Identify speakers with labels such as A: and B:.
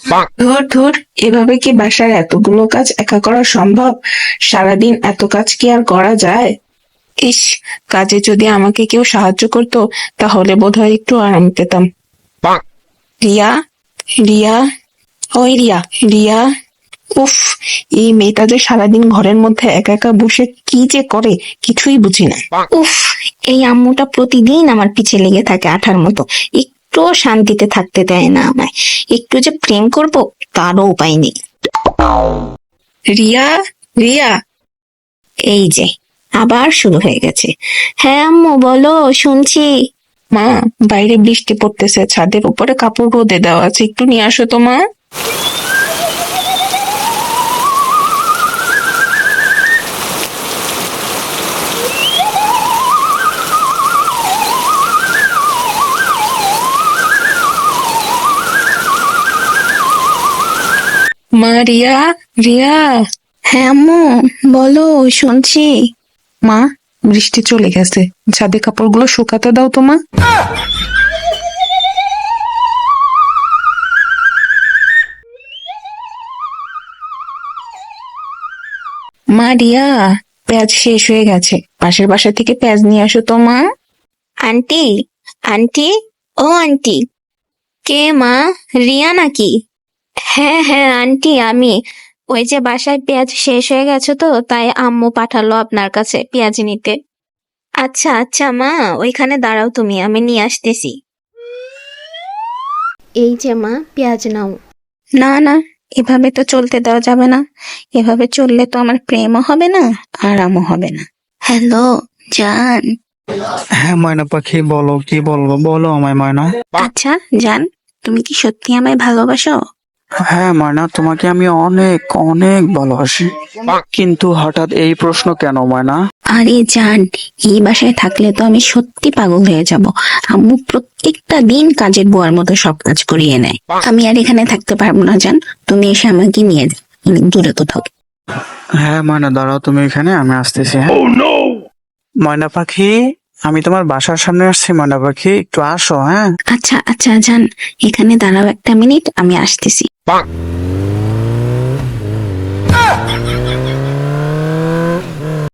A: ধুর ধুর, এভাবে কি বাসার এতগুলো কাজ একা করা সম্ভব? সারাদিন এত কাজ কি আর করা যায়? ইস, কাজে যদি আমাকে কেউ সাহায্য করতো তাহলে বোধহয় একটু আরাম পেতাম। রিয়া, রিয়া, ওই রিয়া, রিয়া। উফ, এই মেয়েটা যে সারাদিন ঘরের মধ্যে একা একা বসে কি যে করে কিছুই বুঝি না।
B: উফ, এই আম্মুটা প্রতিদিন আমার পিছে লেগে থাকে আঠার মতো। একটুও শান্তিতে থাকতে দেয় না আমায়। একটু যে প্রেম করব তারও উপায় নেই।
A: রিয়া, রিয়া।
B: এই যে আবার শুরু হয়ে গেছে। হ্যাঁ আম্মু বলো, শুনছি।
A: মা, বাইরে বৃষ্টি পড়তেছে, ছাদের উপরে কাপড় রোদে দেওয়া আছে, একটু নিয়ে আসো তো মা। মা, রিয়া, রিয়া।
B: হ্যাঁ আম্মু বলো, শুনছি।
A: মা, বৃষ্টি চলে গেছে, ছাদে কাপড়গুলো শুকাতে দাও তো মা। মা, রিয়া, পেঁয়াজ শেষ হয়ে গেছে, পাশের বাসা থেকে পেঁয়াজ নিয়ে আসো তো মা।
B: আন্টি, আন্টি, ও আন্টি। কে মা? রিয়া নাকি? হ্যাঁ হ্যাঁ আন্টি, আমি। ওই যে বাসায় পেঁয়াজ শেষ হয়ে গেছে তো, তাই আম্মু পাঠালো আপনার কাছে পেঁয়াজ নিতে। আচ্ছা আচ্ছা মা, ওইখানে দাঁড়াও তুমি, আমি নিয়ে আসতেছি। এই যে মা, পেঁয়াজ নাও। না না, এভাবে তো চলতে দেওয়া যাবে না। এভাবে চললে তো আমার প্রেমও হবে না, আরামও হবে না। হ্যালো জান।
C: হ্যাঁ ময়না পাখি, বলো কি বলবো, বলো আমায় ময়না।
B: আচ্ছা জান, তুমি কি সত্যি আমায় ভালোবাসো?
C: হ্যাঁ ময়না, তোমাকে আমি অনেক অনেক ভালোবাসি, কিন্তু হঠাৎ এই প্রশ্ন কেন ময়না?
B: আরে জান, এই বাসায় থাকলে তো আমি সত্যি পাগল হয়ে যাব। আম্মু প্রত্যেকটা দিন কাজের বুয়ার মতো সব কাজ করিয়ে নেয়। আমি আর এখানে থাকতে পারবো না জান, তুমি এসে আমাকে নিয়ে যাও অনেক দূরে কোথাও।
C: হ্যাঁ ময়না, দাঁড়াও তুমি এখানে, আমি আসতেছি। হ্যাঁ ময়না পাখি, আমি তোমার বাসার সামনে আসছি। ময়না পাখি একটু আসো। হ্যাঁ
B: আচ্ছা আচ্ছা জান, এখানে দাঁড়াও একটা মিনিট, আমি আসতেছি।